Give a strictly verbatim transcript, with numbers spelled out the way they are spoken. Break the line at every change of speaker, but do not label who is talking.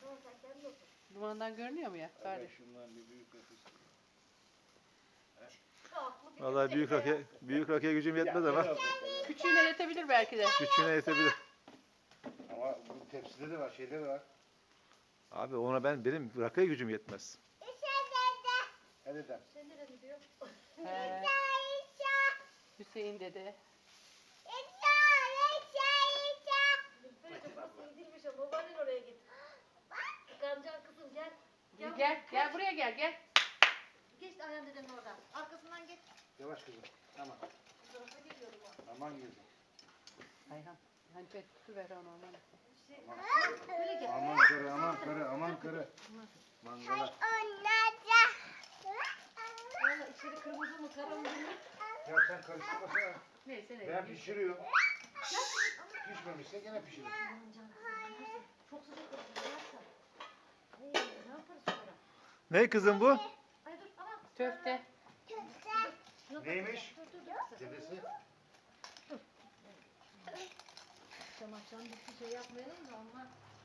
Dumandan görünüyor mu ya?
Evet, şundan bir büyük rakı.
Vallahi büyük rakıya, büyük rakıya gücüm yetmez ama
Küçüğüne yetebilir belki de.
küçüğüne yetebilir.
Ama bu tepside de var, şeyde de var.
Abi ona ben benim rakıya gücüm yetmez.
Hadi de.
He. Hüseyin dede. Gel, gel, gel buraya gel, gel.
Geç Ayhan dedenin oradan. Arkasından geç.
Yavaş kızım. Tamam. Aman kızım.
Ayhan, hani pet su ver ona aman.
Böyle gel.
Aman karı, aman karı, aman karı. Mangala.
Valla içeri kırmızı mı kara mı?
Ya sen karıştırmasana.
Neyse ne.
Ben pişiriyorum. Pişmemişse gene pişiririm.
Aman canım. Çok sıcak olsun. Varsa. Hey, ne yaparız sonra?
Ne kızım bu?
Ay dur aman.
Köfte.
Neymiş?
Dur dur dur.
Dedesi.
Akşam akşam bir şey yapmayalım da onlar